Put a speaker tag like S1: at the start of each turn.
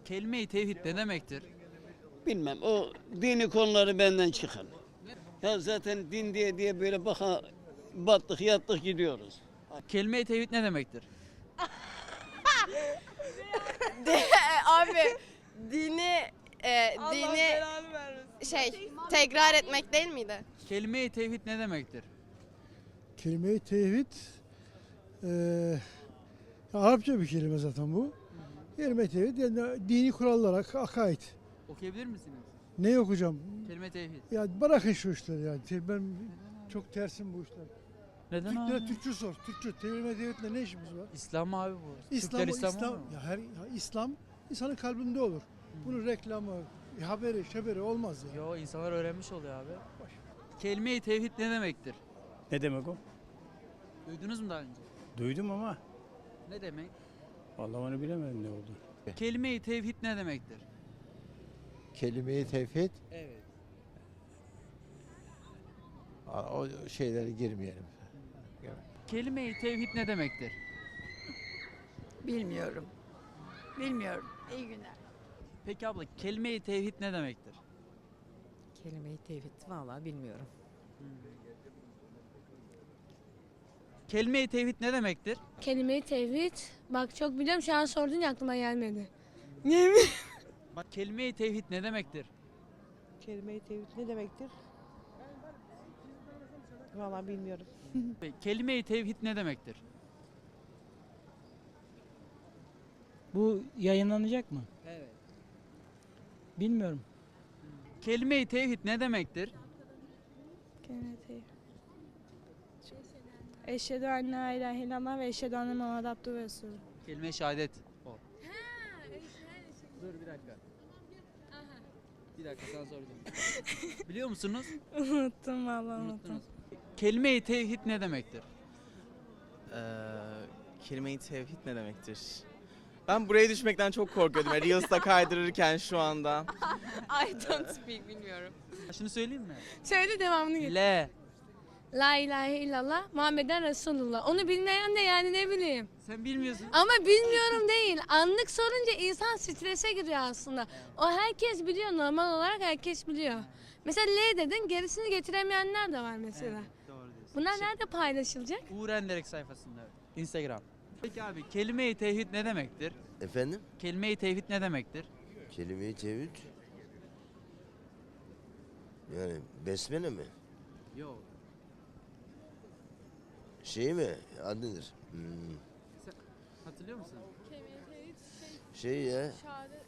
S1: Kelime-i tevhid ne demektir?
S2: Bilmem, o dini konuları benden çıkar. Ya zaten din diye böyle baka battık yattık gidiyoruz.
S1: Kelime-i tevhid ne demektir?
S3: Abi dini dini tekrar etmek değil miydi?
S1: Kelime-i tevhid ne demektir?
S4: Kelime-i tevhid Arapça bir kelime zaten bu. Kelime-i tevhid yani dini kurallar, akaid.
S1: Okuyabilir misiniz?
S4: Ne okuyacağım?
S1: Kelime-i tevhid.
S4: Ya bırakın şu işleri yani. Ben çok tersim bu işler.
S1: Neden
S4: Türklere
S1: abi?
S4: Türkçe sor. Türkçe. Kelime-i tevhidle ne işimiz var?
S1: İslam abi bu.
S4: İslam,
S1: Türkler İslam
S4: İslam,
S1: olmuyor mu?
S4: İslam insanın kalbinde olur. Bunun reklamı, haberi, şeberi olmaz ya.
S1: Yo, insanlar öğrenmiş oluyor abi. Kelime-i tevhid ne demektir?
S5: Ne demek o?
S1: Duydunuz mu daha önce?
S5: Duydum ama
S1: Ne demek?
S5: vallahi onu bilemedim ne oldu.
S1: Kelime-i tevhid ne demektir?
S6: Kelime-i tevhid,
S1: Evet.
S6: o şeylere girmeyelim.
S1: Kelime-i tevhid ne demektir?
S7: Bilmiyorum. Bilmiyorum. İyi günler.
S1: Peki abla, kelime-i tevhid ne demektir?
S8: Kelime-i tevhid vallahi bilmiyorum.
S1: Kelime-i tevhid ne demektir?
S9: Kelime-i tevhid. Bak çok biliyorum, şu an sordun ya aklıma gelmedi.
S1: Bak, kelime-i tevhid ne demektir?
S10: Kelime-i tevhid ne demektir? Vallahi bilmiyorum.
S1: Kelime-i tevhid ne demektir?
S11: Bu yayınlanacak mı?
S1: Evet.
S11: Bilmiyorum.
S1: Kelime-i tevhid ne demektir?
S9: Kelime-i tevhid. Eşhedü en la ilahe illallah ve eşhedü enne Muhammed abdühü ve resulü.
S1: Kelime-i şehadet. O. Dur bir dakika. Bir dakika, sana soracağım. Biliyor musunuz?
S9: Unuttum vallahi unuttum.
S1: Unuttunuz. Kelime-i tevhid ne demektir?
S12: Kelime-i tevhid ne demektir? Ben buraya düşmekten çok korkuyordum. Reels'ta kaydırırken şu anda.
S3: I don't speak bilmiyorum.
S1: Şunu söyleyeyim mi?
S9: Söyle devamını getir.
S1: Le.
S9: La ilahe illallah Muhammeden Resulullah. Onu bilmeyen de yani ne bileyim.
S1: Sen bilmiyorsun.
S9: Ama bilmiyorum değil. Anlık sorunca insan strese giriyor aslında. O herkes biliyor, normal olarak herkes biliyor. Mesela L dedin, gerisini getiremeyenler de var mesela.
S1: Doğru diyorsun.
S9: Bunlar nerede paylaşılacak?
S1: Uğur Enderek sayfasında. Instagram. Peki abi, kelime-i tevhid ne demektir?
S6: Efendim?
S1: Kelime-i tevhid ne demektir?
S6: Kelime-i tevhid, yani besmele mi?
S1: Yok.
S6: Şey mi? Adı nedir?
S1: Hatırlıyor musun?
S6: Şey ya,